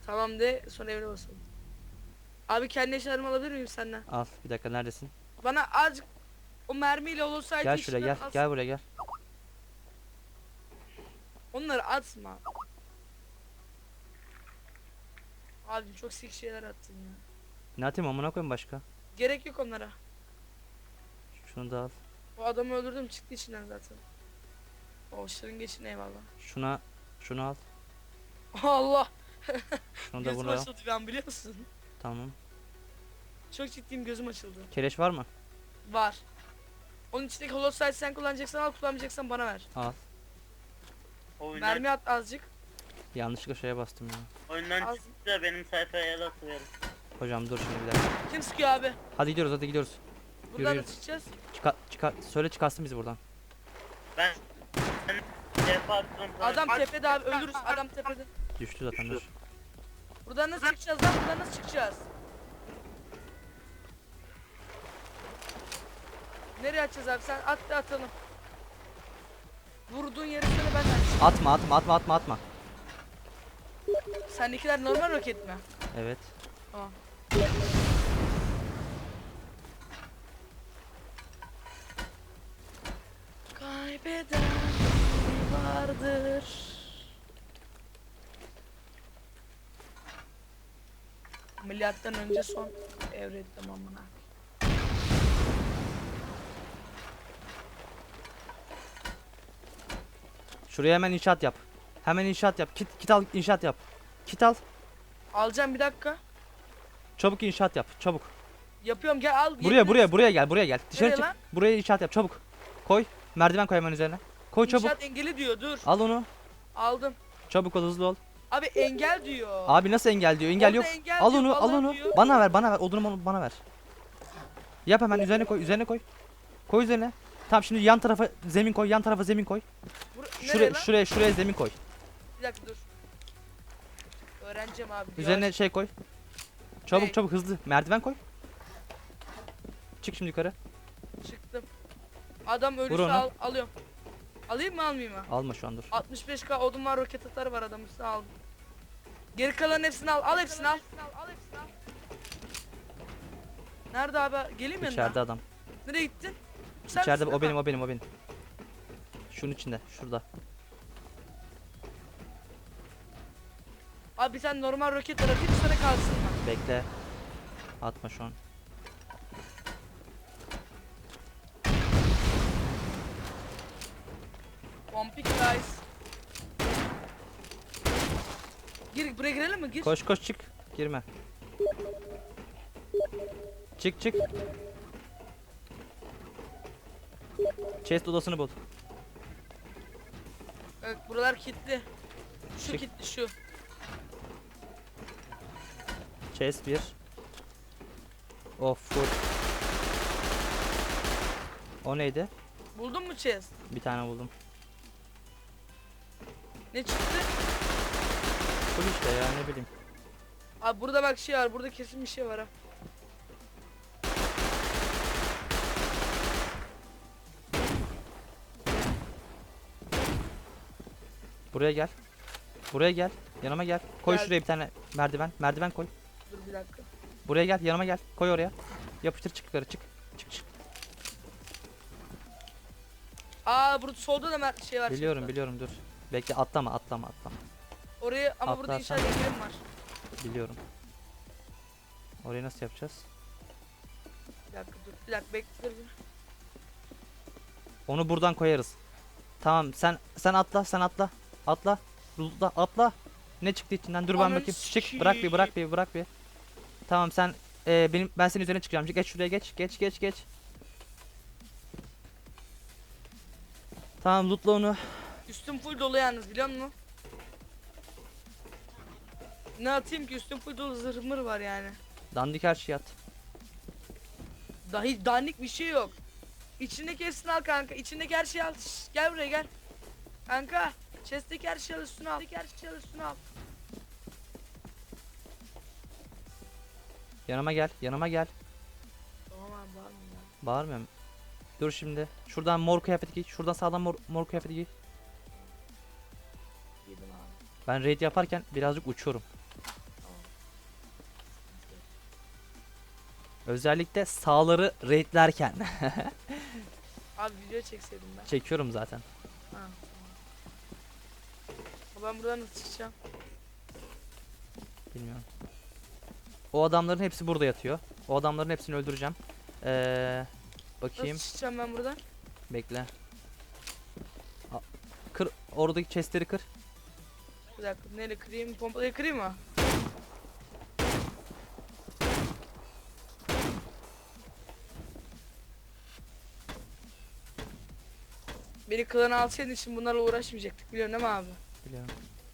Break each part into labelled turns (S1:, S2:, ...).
S1: Tamam de sonra evine basalım. Abi kendi eşyalarımı alabilir miyim senden?
S2: Al bir dakika, neredesin?
S1: Bana azıcık o mermiyle olsaydı
S2: Gel şuraya, gel. Gel buraya gel.
S1: Onları atma. Abi çok sik şeyler attın ya.
S2: Ne atayım amına koyayım başka?
S1: Gerek yok onlara.
S2: Şunu da al.
S1: O adamı öldürdüm çıktı içinden zaten. O şırıngeçin eyvallah.
S2: Şunu al.
S1: Allah.
S2: Şunu da
S1: Gözüm
S2: bunu al.
S1: açıldı ben biliyor musun?
S2: Tamam.
S1: Çok ciddiyim gözüm açıldı.
S2: Keleş var mı?
S1: Var. Onun içindeki holosite sen kullanacaksan al kullanmayacaksan bana ver.
S2: Al.
S3: Oyundan,
S1: Mermi at azıcık.
S2: Yanlışlıkla şeye bastım ya.
S3: oyundan
S1: Az-
S3: çıktı da benim sayfaya da atıverim.
S2: Hocam dur şimdi bir dakika.
S1: Kim sıkıyor abi?
S2: Hadi gidiyoruz, hadi gidiyoruz.
S1: Buradan
S2: Yürü.
S1: da çıkacağız.
S2: Söyle çıkarsın bizi buradan.
S3: Ben defa attım.
S1: Adam tepede abi ölürüz adam tepede.
S2: Düştü zaten, dur.
S1: Buradan nasıl çıkacağız lan? Buradan nasıl çıkacağız? Nereye atacağız abi? Sen at da atalım. Vurduğun yeri söyle ben de atayım.
S2: Atma.
S1: Sendekiler normal roket mi?
S2: Evet.
S1: Tamam. Kaybeden vardır. Milattan önce son evre tamamına.
S2: Şuraya hemen inşaat yap. Hemen inşaat yap. Kit al, inşaat yap. Kit al.
S1: Alacağım bir dakika.
S2: Çabuk inşaat yap. Çabuk.
S1: Yapıyorum gel al.
S2: Buraya gel. Dışarı
S1: Nereye
S2: çık.
S1: lan?
S2: Buraya inşaat yap çabuk. Koy. Merdiven koy hemen üzerine. Koy çabuk.
S1: İnşaat engeli diyor dur.
S2: Al onu.
S1: Aldım.
S2: Çabuk ol, hızlı ol.
S1: Abi engel diyor.
S2: Abi nasıl engel diyor? Engel
S1: Orada
S2: yok.
S1: engel
S2: Al
S1: diyor,
S2: onu, al
S1: vallahi
S2: onu.
S1: diyor.
S2: Bana ver. Odunu bana ver. Yap hemen, üzerine koy, Koy üzerine. Tamam, şimdi yan tarafa zemin koy,
S1: Nereye lan?
S2: Şuraya zemin koy.
S1: Bir dakika dur. Öğreneceğim abi.
S2: Üzerine
S1: Yavaş.
S2: şey koy.
S1: Ne?
S2: Çabuk hızlı. Merdiven koy. Çık şimdi yukarı.
S1: Çıktım. Adam ölürse
S2: onu.
S1: alıyorum. Alayım mı almayayım mı?
S2: Alma şu an, dur.
S1: 65k odun var roket atarı var adam üstüne aldım. Geri kalan hepsini al. Al hepsini al. Nerede abi? Geleyim yanına.
S2: İçeride adam.
S1: Nereye gittin? Sen
S2: İçeride,
S1: misin?
S2: o benim. Şunun içinde, şurada.
S1: Abi sen normal roket at. Hiç sana kalsın mı?
S2: Bekle. Atma şu an.
S1: Pompik guys. Buraya girelim mi? Gir.
S2: Koş çık. Girme. Çık. Chest odasını bul.
S1: Evet, buralar kilitli. Şu
S2: Çık.
S1: kilitli şu.
S2: Chest 1. Of, full. O neydi?
S1: Buldun mu chest?
S2: Bir tane buldum.
S1: Ne çıktı?
S2: Full işte ya, ne bileyim.
S1: Abi burada bak şey var. Burada kesin bir şey var ha.
S2: Buraya gel. Yanıma gel. Koy
S1: Gel.
S2: şuraya bir tane merdiven. Merdiven koy.
S1: Dur bir dakika.
S2: Buraya gel, yanıma gel. Koy oraya. Yapıştır, çık yukarı, çık.
S1: Aa burada solda da şey var.
S2: Biliyorum, dur. Bekle, atlama.
S1: Oraya ama burada
S2: Atlarsan-
S1: inşaat engelim var.
S2: Biliyorum. Orayı nasıl yapacağız?
S1: Bir dakika dur. Bir dakika bekle. Dur.
S2: Onu buradan koyarız. Tamam, sen atla. Atla. Ne çıktı içinden? Dur ben
S1: Ananı
S2: bakayım. Çık.
S1: sikeyim.
S2: Bırak bir. Tamam, sen ben senin üzerine çıkacağım. Geç şuraya, geç. Tamam, lootla onu.
S1: Üstüm full dolu yalnız biliyor musun? Ne atayım ki üstüm full dolu zırhmır var yani.
S2: Dandik her şeyi at.
S1: Dahi dandik bir şey yok. İçindeki hepsini al kanka. İçindeki her şeyi al. Şşş, gel buraya gel. Kanka. Chest'teki her şeyi al üstüne al.
S2: Yanıma gel.
S1: Tamam abi var mı ya?
S2: Bağırmıyorum. Dur şimdi. Şuradan mor kıyafet giy. Şuradan sağdan mor kıyafet giy.
S1: Yedim abi.
S2: Ben raid yaparken birazcık uçuyorum. Özellikle sağları raidlerken.
S1: Abi video çekseydim ben.
S2: Çekiyorum zaten.
S1: Ha, tamam. Ben buradan nasıl çıkacağım?
S2: Bilmiyorum. O adamların hepsi burada yatıyor. O adamların hepsini öldüreceğim. Bakayım.
S1: Nasıl çıkacağım ben buradan?
S2: Bekle. Kır oradaki chestleri kır.
S1: Bir dakika neyle kırayım? Pompalayı kırayım mı? Beni klana alsaydın için bunlarla uğraşmayacaktık biliyorsun değil mi abi?
S2: Biliyorum.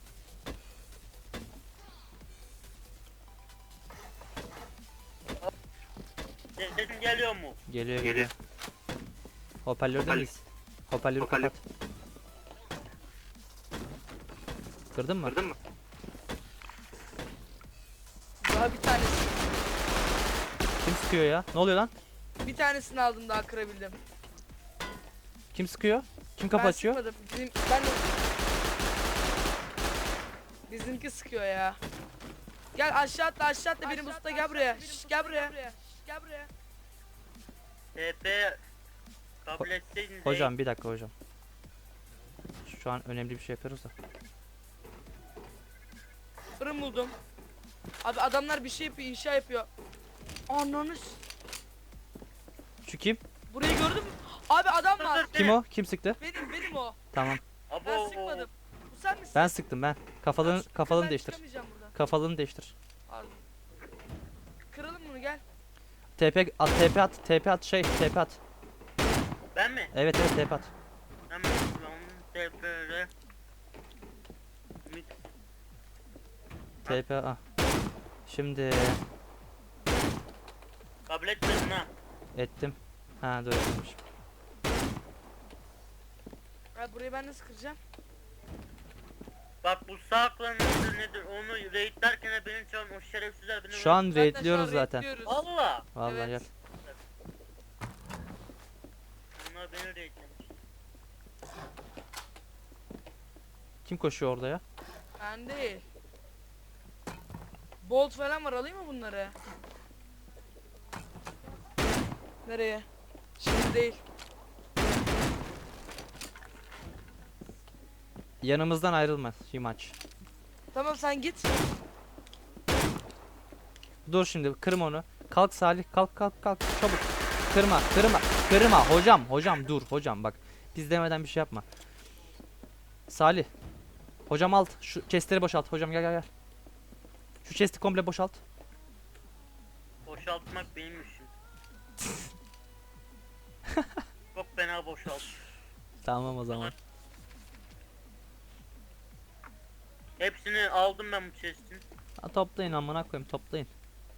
S3: Sesin geliyor mu?
S2: Geliyor geliyor. Hoparlörde miyiz? Hoparlörü kapat. Kırdın mı?
S1: Daha bir tanesi.
S2: Kim sıkıyor ya? Ne oluyor lan?
S1: Bir tanesini aldım daha kırabildim.
S2: Kim sıkıyor? Kim kapı
S1: Ben
S2: açıyor?
S1: sıkmadım. Ben de... Bizimki sıkıyor ya. Gel aşağı atla benim usta gel buraya. Şş, gel buraya. Gel buraya.
S3: TP kabul etseydin.
S2: Hocam bir dakika hocam. Şu an önemli bir şey yapıyoruz da.
S1: Fırın buldum. Abi adamlar bir şey yapıyor, inşa yapıyor. Ananı
S2: Şu kim?
S1: burayı gördün mü? Abi adam var.
S2: Kim o? Kim sıktı?
S1: Benim o.
S2: Tamam.
S3: Abo.
S1: Ben sıkmadım. Bu sen misin?
S2: Ben sıktım ben.
S1: Ben
S2: Kafalığını
S1: ben
S2: değiştir.
S1: çıkamayacağım buradan.
S2: Kafalığını değiştir.
S1: Pardon. Kıralım bunu gel.
S2: TP at TP at.
S3: Ben mi?
S2: Evet TP at.
S3: Hemen TP'de.
S2: TP ah. Şimdi
S3: Kabul etmedin ha.
S2: ettim. Ha dur etmiş.
S1: Abi burayı ben nasıl kıracağım?
S3: Bak bu sağ klanın nedir onu raidlerken beni çağırın o şerefsizler beni
S2: Şu an
S1: Zaten
S2: raidliyoruz
S1: şu an
S2: zaten.
S1: raidliyoruz.
S3: Valla.
S2: Vallahi
S1: Evet.
S2: gel.
S3: Bunlar beni raidlemiş.
S2: Kim koşuyor orada ya?
S1: Ben değil. Bolt falan var alayım mı bunları? Nereye? Şimdi değil.
S2: Yanımızdan ayrılma Himaç.
S1: Tamam sen git.
S2: Dur şimdi kırma onu. Kalk Salih kalk çabuk. Kırma hocam dur hocam bak. Biz demeden bir şey yapma. Salih. Hocam alt şu chestleri boşalt hocam gel. Şu chesti komple boşalt.
S3: Boşaltmak benim işim. Çok fena boşalt.
S2: Tamam o zaman.
S3: Hepsini aldım ben bu chest'in.
S2: Ha, toplayın amına koyayım toplayın.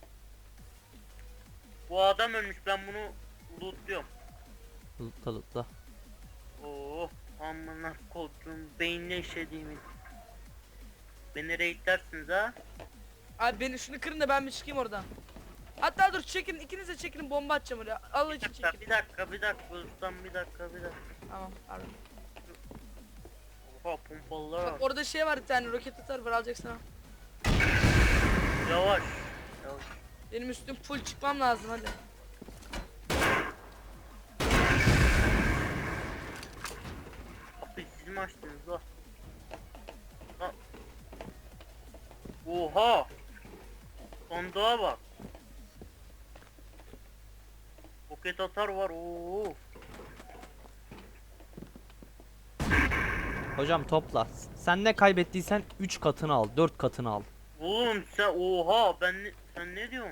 S3: Bu adam ölmüş ben bunu lootluyorum.
S2: Lootla.
S3: Oo, amına kodum beynine işlediğimi. Beni raidlersiniz ha.
S1: Abi beni şunu kırın da ben bir çıkayım oradan. Hatta dur çekin ikiniz de çekin bomba atacağım oraya. Allah için çekin.
S3: Bir dakika ustam bir dakika.
S1: Tamam pardon.
S3: Oha pompalılar
S1: Bak
S3: var.
S1: orada şey var bir tane roket atar var alacaksın ha.
S3: Yavaş.
S1: Benim üstüm full çıkmam lazım hadi.
S3: Kapıyı siz mi açtınız la? Ha. Oha. Sandığa bak. Roket atar var. Oo.
S2: Hocam topla. Sen ne kaybettiysen 3 katını al 4 katını al.
S3: Oğlum sen oha sen ne diyorsun?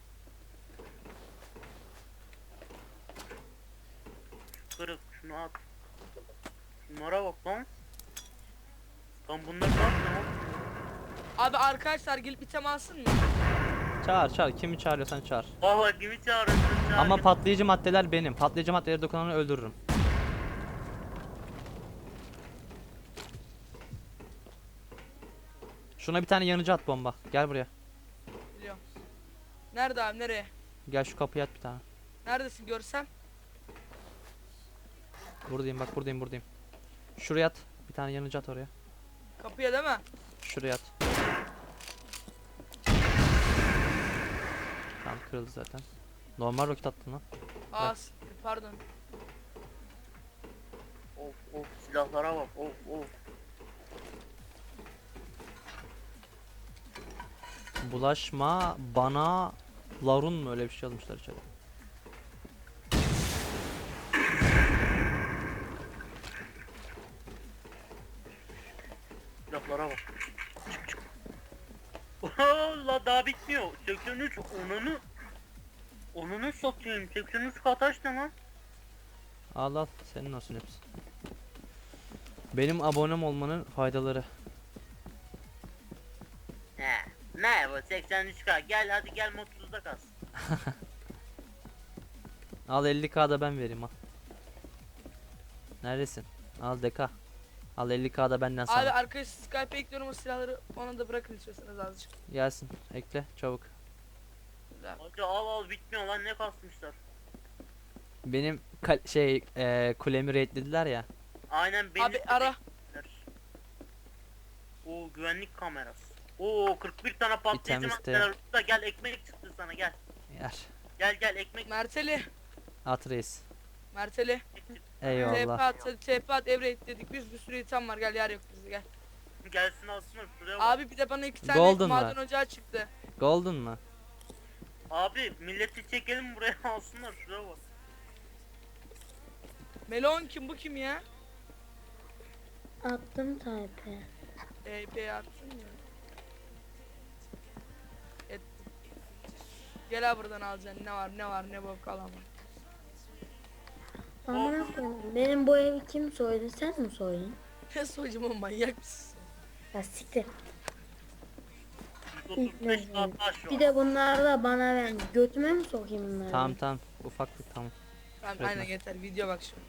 S3: Kırık şunu at. Şunlara bak lan. Lan bunlar ne yapıyor?
S1: Abi arkadaşlar gelip item alsın mı?
S2: Çağır kimi çağırıyorsan çağır.
S3: Valla kimi çağırıyorsun çağır.
S2: Ama patlayıcı maddeler benim. Patlayıcı maddeleri dokunanı öldürürüm. Şuna bir tane yanıcı at bomba. Gel buraya.
S1: Biliyorum. Nerede abi nereye?
S2: Gel şu kapıya at bir tane.
S1: Neredesin görsem?
S2: Buradayım bak buradayım. Şuraya at. Bir tane yanıcı at oraya.
S1: Kapıya değil mi?
S2: Şuraya at. Tamam kırıldı zaten. Normal roket attın lan.
S1: Aa pardon.
S3: Of silahlara bak of.
S2: Bulaşma bana Larun mu öyle bir şey yazmışlar içeri.
S3: Silahlara bak. Çık. La daha bitmiyor. 83 onunu satayım. 83 kataş ne lan?
S2: Al al senin olsun hepsi. Benim abonem olmanın faydaları.
S3: He. Ne bu 83k gel hadi gel mutsuzda kalsın.
S2: Al 50k da ben vereyim al. Neredesin? Al deka. Al 50k da benden
S1: Abi
S2: sana.
S1: arkadaş Skype'e ekliyorum o silahları, ona da bırakın istiyorsanız azıcık.
S2: Gelsin ekle çabuk.
S3: Hadi al bitmiyor lan ne kasmışlar.
S2: Benim kulemi raidlediler ya.
S3: Aynen beni
S1: Abi ara.
S3: O güvenlik kamerası. Oo 41 tane patlayıcı
S2: İtem iste.
S3: maddeler burada gel ekmek çıktı sana gel.
S2: Yer.
S3: Gel ekmek
S1: Merteli.
S2: At reis.
S1: Merteli.
S3: çıktı.
S1: TP
S2: Eyvallah.
S1: at, hadi TP at, Everett dedik biz, bir sürü item var, gel yer yok bizde gel.
S3: Gelsin alsınlar şuraya bak.
S1: Abi bir de bana 2 tane
S2: Golden
S1: maden
S2: var.
S1: ocağı çıktı.
S2: Golden mı?
S3: Abi milleti çekelim buraya alsınlar şuraya bak.
S1: Melon kim, bu kim ya?
S4: Attım type.
S1: TP attın ya. Ettim. Gel abi buradan alacaksın, ne var ne bok al ama.
S4: Amına koyayım. Benim bu evi kim soydu? Sen mi soydun?
S1: Ne soyacağım oğlum, manyak mısın?
S4: Ya siktir.
S3: 135 saat taş
S4: Bir
S3: var.
S4: de bunları da bana ver. Götüme mi sokayım bunları?
S2: Tamam ufaklık tamam.
S1: Tamam
S2: Üretme.
S1: aynen yeter, video bak şimdi.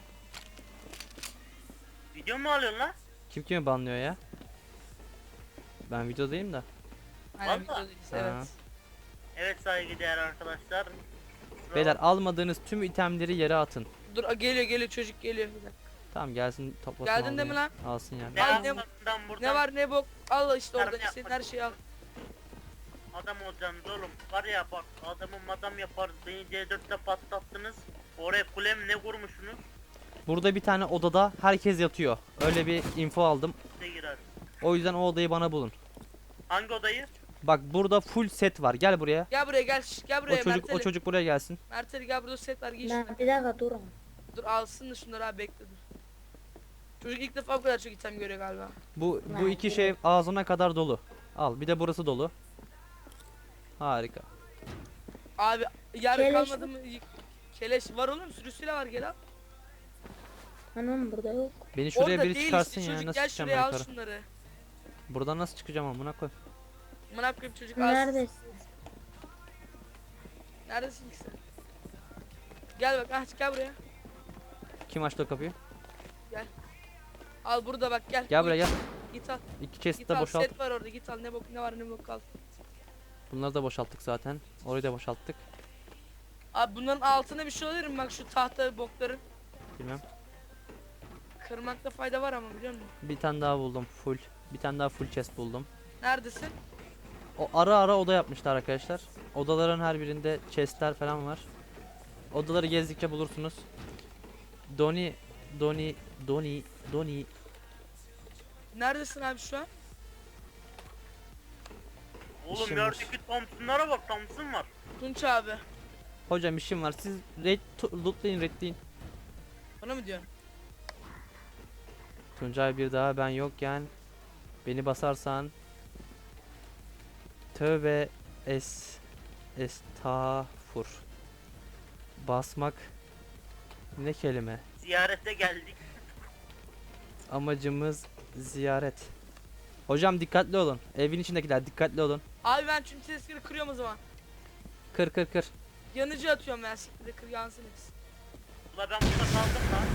S3: Video mu alıyorsun lan?
S2: Kim kimi banlıyor ya? Ben videodayım da.
S1: Aynen
S3: Vallahi.
S1: videodayız,
S2: Ha.
S1: evet.
S3: Evet saygıdeğer arkadaşlar.
S2: Beyler almadığınız tüm itemleri yere atın.
S1: Dur geliyor çocuk geliyor. Bir dakika.
S2: Tamam gelsin toplasın.
S1: Geldin değil mi
S2: almayı.
S1: lan?
S2: Alsın yani.
S3: Ne
S1: Al, ne-
S3: buradan buradan
S1: Ne var ne bok al işte
S3: Yardım
S1: orada, istediğin
S3: yapmak
S1: her şeyi al.
S3: adam olacaksınız oğlum. Var ya bak adamı madam yaparız. Beni C4'te patlattınız. Oraya kulem ne kurmuşsunuz?
S2: Burada bir tane odada herkes yatıyor. Öyle bir info aldım.
S3: Size girer.
S2: O yüzden o odayı bana bulun.
S3: Hangi odayı?
S2: Bak burada full set var. Gel buraya.
S1: Gel buraya gel, gel
S2: O
S1: buraya
S2: çocuk
S1: Merteli.
S2: buraya gelsin.
S1: Merteli gel, burada set var, giy şunu.
S4: Ben bir dakika durun.
S1: Dur alsın da şunları abi, bekle dur. Çocuk ilk defa bu kadar çok item görüyor galiba.
S2: Bu
S4: Lan,
S2: iki
S4: evet.
S2: şey ağzına kadar dolu. Al bir de burası dolu. Harika.
S1: Abi yer
S4: Keleş
S1: kalmadı mı? Keleş var oğlum, sürüsüyle var, gel al.
S4: Anam burada yok.
S2: Beni şuraya
S1: Orada
S2: biri
S1: değil
S2: çıkarsın
S1: işte
S2: ya.
S1: çocuk,
S2: Nasıl
S1: gel
S2: çıkacağım
S1: şuraya
S2: ben
S1: al
S2: yukarı?
S1: şunları.
S2: Buradan nasıl çıkacağım amına koy.
S1: Amına koyayım çocuk al.
S4: Neredesin?
S1: Neredesin ki sen? Gel bak, aç gel buraya.
S2: Kim açtı o kapıyı?
S1: Al burada bak, gel.
S2: Gel
S1: Bu
S2: buraya gel.
S1: Git al.
S2: İki chest
S1: Git
S2: de
S1: al,
S2: boşalt.
S1: set var orada, git al, ne var ne bok al.
S2: Bunları da boşalttık zaten. Orayı da boşalttık.
S1: Abi bunların altına bir şey olabilir mi, bak şu tahta bokların.
S2: Bilmem.
S1: Kırmakta fayda var ama, biliyor musun?
S2: Bir tane daha buldum full. Bir tane daha full chest buldum.
S1: Neredesin?
S2: O ara oda yapmışlar arkadaşlar. Odaların her birinde chestler falan var. Odaları gezdikçe bulursunuz. Doni.
S1: Neredesin abi şu an?
S3: Oğlum
S2: İşim var.
S3: yerdeki Thompson'lara bak Thompson var.
S1: Tunç abi.
S2: Hocam işim var. Siz lootlayın raidleyin.
S1: Bana mı diyorsun?
S2: Tuncay bir daha ben yokken beni basarsan tövbe estağfur. Basmak ne kelime?
S3: Ziyarete geldik.
S2: Amacımız ziyaret. Hocam dikkatli olun. Evin içindekiler dikkatli olun.
S1: Abi ben çünkü sesleri kırıyorum o zaman.
S2: Kır.
S1: Yanıcı atıyorum ben, siktir de kır yansın hepsi.
S3: Ula ben burada kaldım lan.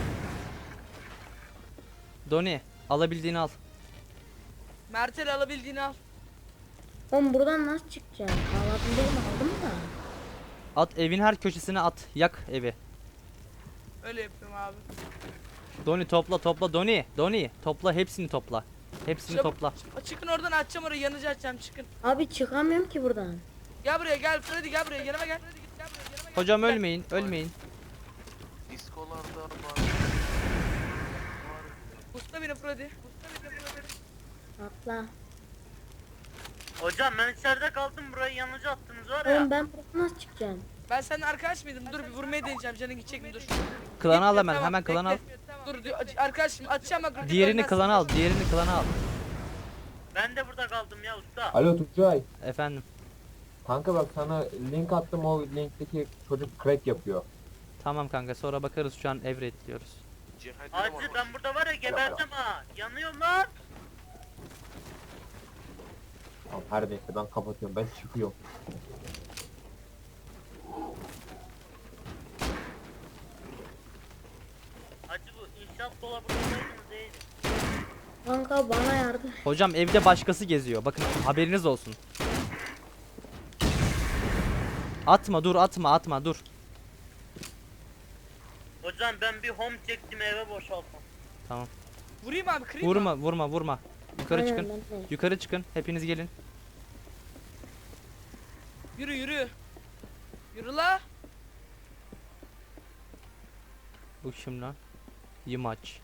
S2: Doni alabildiğini al.
S1: Mertel alabildiğini al.
S4: Oğlum buradan nasıl çıkacağım? Alabildim aldım da.
S2: At evin her köşesine at. Yak evi.
S1: Öyle yapıyorum abi.
S2: Doni topla Doni topla hepsini topla. Hepsini
S1: Çabuk.
S2: topla.
S1: Çıkın oradan, açacağım orayı, yanıcı açacağım, çıkın.
S4: Abi çıkamıyorum ki buradan.
S1: Gel buraya gel Freddy, gel buraya yanıma gel. Freddy git, gel buraya yanıma
S2: Hocam
S1: Gel.
S2: ölmeyin, ölmeyin.
S5: Diskolarda var.
S1: Usta beni Freddy. Usta beni Freddy.
S4: Atla.
S3: Hocam ben içeride kaldım, burayı yanıcı attınız var ya.
S4: Oğlum ben buradan nasıl çıkacağım?
S1: Ben seninle arkadaş mıydım? Dur bir vurmaya deneyeceğim. Canın gidecek mi? Dur.
S2: Klanı al
S1: Gitmiyor,
S2: hemen,
S1: tamam,
S2: hemen klanı al.
S1: bekle. Dur arkadaşım atacağım bak. roket
S2: Diğerini
S1: ölmezsin.
S2: klanı al, diğerini klanı al.
S3: Ben de burada kaldım ya usta.
S6: Alo Tuncay.
S2: Efendim.
S6: Kanka bak sana link attım, o linkteki çocuk crack yapıyor.
S2: Tamam kanka, sonra bakarız, şu an diyoruz.
S3: Hacı ben burada var ya geberdim ha. Yanıyorum lan.
S6: Tamam her neyse ben kapatıyorum, ben çıkıyorum.
S3: Hacı bu inşaat dolabındaydınız değil.
S4: Kanka bana yardım.
S2: Hocam evde başkası geziyor. Bakın haberiniz olsun. Atma, dur, atma, dur.
S3: Hocam ben bir home çektim, eve boşalttım.
S2: Tamam.
S1: Vurayım abi kırayım mı?
S2: Vurma. Yukarı
S4: Aynen,
S2: çıkın.
S4: ben de.
S2: Yukarı çıkın. Hepiniz gelin.
S1: Yürü yürü. Yürü la.
S2: Bu kim lan? Yımaç.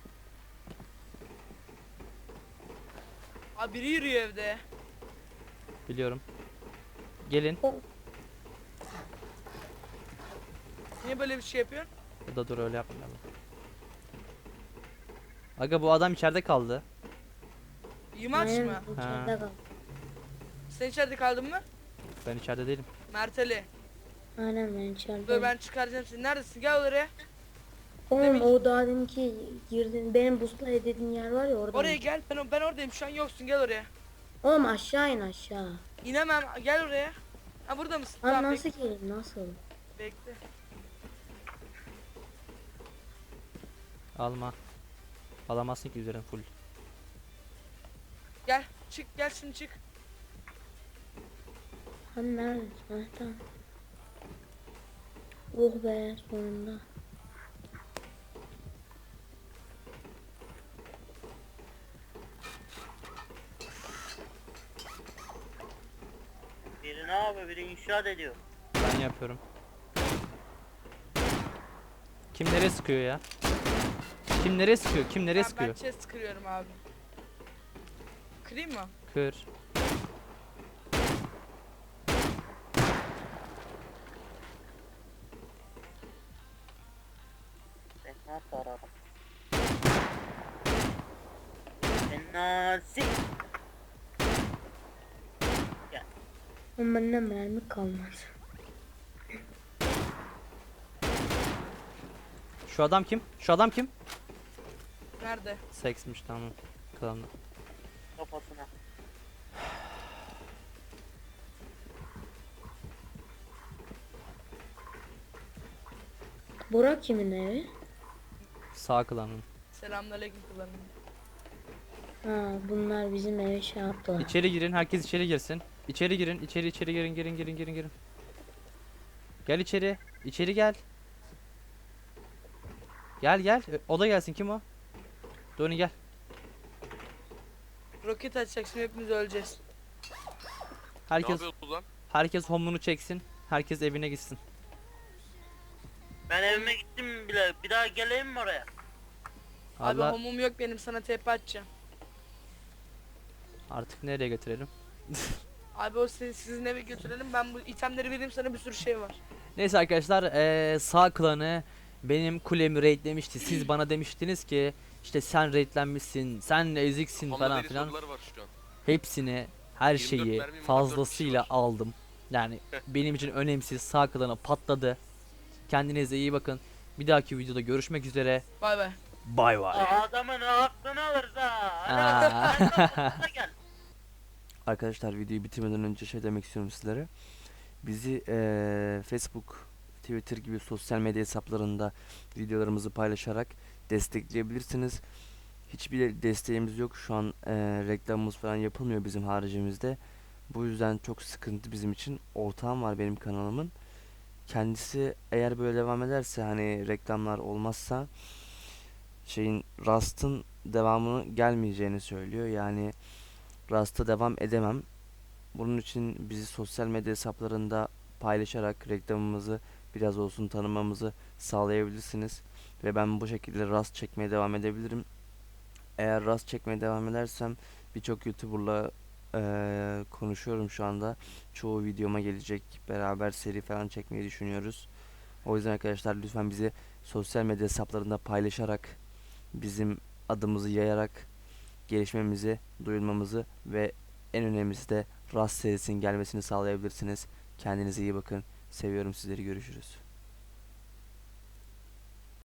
S1: Abi biri yürüyor evde.
S2: Biliyorum. Gelin.
S1: Niye böyle bir şey yapıyorsun?
S2: Ya da dur, öyle yapmayalım. Aga bu adam içeride kaldı.
S1: Yımaç
S4: Aynen,
S1: mı?
S4: içeride kal.
S1: Sen içeride kaldın mı?
S2: Ben içeride değilim.
S1: Merteli.
S4: Aynen ben içeride.
S1: Dur ben çıkaracağım seni. Neredesin? Gel oraya.
S4: Oğlum o daha deminki girdin benim busla dediğin yer var ya orada.
S1: Oraya gel. Ben oradayım. Şu an yoksun. Gel oraya.
S4: Oğlum aşağı in aşağı.
S1: İnemem. Gel oraya. Ha burada mısın?
S4: Lan
S1: Tamam,
S4: nasıl gelin nasıl?
S1: bekle.
S2: Alma. Alamazsın ki, üzerin full.
S1: Gel. Çık. Gel şimdi çık.
S4: Hani neredesin? Ha, tamam. Oh be sonunda.
S3: Biri ne yapıyor? Biri inşaat ediyor.
S2: Ben yapıyorum. Kim nereye sıkıyor ya? Kim nereye sıkıyor? Kim nereye
S1: Ben
S2: sıkıyor?
S1: chest kırıyorum abi. Kırayım mı?
S2: Kır.
S3: Ben nasıl ararım? Nasıl?
S4: Oğlum bende mermi kalmadı.
S2: Şu adam kim? Şu adam kim?
S1: Nerede?
S2: Seksmiş, tamam. Klanlı.
S3: Kafasına.
S4: Burak kimin evi?
S2: Sağ klanın.
S1: Selamünaleyküm kullanım.
S4: Ha bunlar bizim eve şey yaptılar.
S2: İçeri girin, herkes içeri girsin. İçeri girin, içeri girin, girin. Gel içeri. İçeri gel. Gel. O da gelsin, kim o? Doni gel.
S1: Roket açacak şimdi hepimiz öleceğiz.
S2: Herkes herkes home'unu çeksin. Herkes evine gitsin.
S3: Ben evime gittim bile. Bir daha geleyim mi oraya?
S2: Allah
S1: Abi homum yok benim sana TP atacağım.
S2: artık nereye götürelim?
S1: Abi o sizin eve götürelim ben bu itemleri vereyim sana bir sürü şey var.
S2: Neyse arkadaşlar, sağ klanı benim kulemi raidlemişti. Siz bana demiştiniz ki işte sen raidlenmişsin, sen eziksin falan filan.
S5: Var şu an.
S2: Hepsini, her
S5: 24
S2: şeyi
S5: mermi, 24
S2: fazlasıyla
S5: kişi var.
S2: aldım. Yani benim için önemsiz, sağ klanı patladı. Kendinize iyi bakın. Bir dahaki videoda görüşmek üzere.
S1: Bay bay.
S2: Bay bay.
S3: Adamın aklını alırız ha.
S2: Aa.
S3: Gel.
S2: Arkadaşlar videoyu bitirmeden önce şey demek istiyorum sizlere. Bizi Facebook, Twitter gibi sosyal medya hesaplarında videolarımızı paylaşarak destekleyebilirsiniz. Hiçbir desteğimiz yok. Şu an reklamımız falan yapılmıyor bizim haricimizde. Bu yüzden çok sıkıntı bizim için. Ortağım var benim kanalımın. Kendisi eğer böyle devam ederse, hani reklamlar olmazsa Rust'ın devamını gelmeyeceğini söylüyor. Yani Rust'a devam edemem. Bunun için bizi sosyal medya hesaplarında paylaşarak reklamımızı
S7: biraz olsun tanımamızı sağlayabilirsiniz. Ve ben bu şekilde rast çekmeye devam edebilirim. Eğer rast çekmeye devam edersem birçok YouTuber'la konuşuyorum şu anda. Çoğu videoma gelecek. Beraber seri falan çekmeyi düşünüyoruz. O yüzden arkadaşlar lütfen bizi sosyal medya hesaplarında paylaşarak, bizim adımızı yayarak gelişmemizi, duyurmamızı ve en önemlisi de Rast serisinin gelmesini sağlayabilirsiniz. Kendinize iyi bakın. Seviyorum sizleri. Görüşürüz.